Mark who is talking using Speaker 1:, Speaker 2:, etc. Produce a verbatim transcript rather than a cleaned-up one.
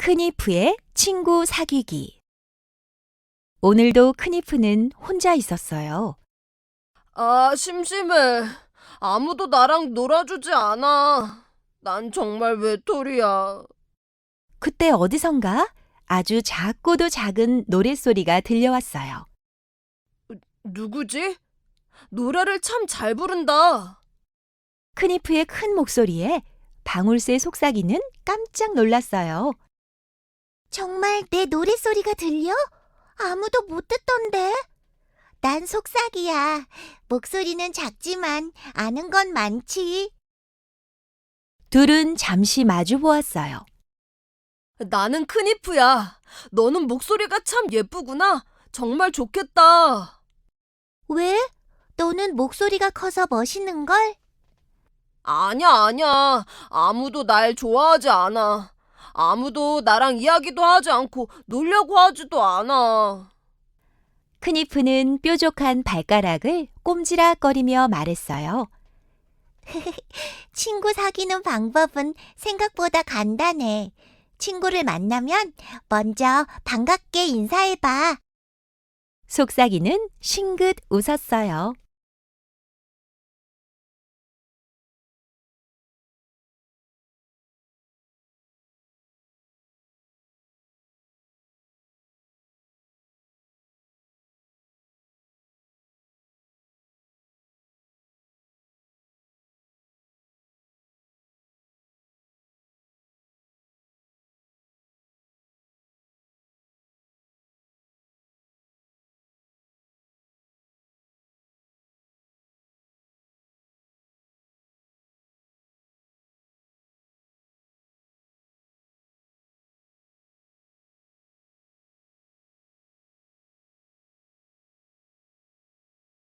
Speaker 1: 크니프의 친구 사귀기. 오늘도 크니프는 혼자 있었어요.
Speaker 2: 아, 심심해. 아무도 나랑 놀아주지 않아. 난 정말 외톨이야.
Speaker 1: 그때 어디선가 아주 작고도 작은 노랫소리가 들려왔어요.
Speaker 2: 누구지? 노래를 참 잘 부른다.
Speaker 1: 크니프의 큰 목소리에 방울새 속삭이는 깜짝 놀랐어요.
Speaker 3: 정말 내 노랫소리가 들려? 아무도 못 듣던데. 난 속삭이야. 목소리는 작지만 아는 건 많지.
Speaker 1: 둘은 잠시 마주 보았어요.
Speaker 2: 나는 크니프야. 너는 목소리가 참 예쁘구나. 정말 좋겠다.
Speaker 3: 왜? 너는 목소리가 커서 멋있는걸?
Speaker 2: 아니야, 아니야. 아무도 날 좋아하지 않아. 아무도 나랑 이야기도 하지 않고 놀려고 하지도 않아.
Speaker 1: 크니프는 뾰족한 발가락을 꼼지락거리며 말했어요.
Speaker 3: 친구 사귀는 방법은 생각보다 간단해. 친구를 만나면 먼저 반갑게 인사해봐.
Speaker 1: 속삭이는 싱긋 웃었어요.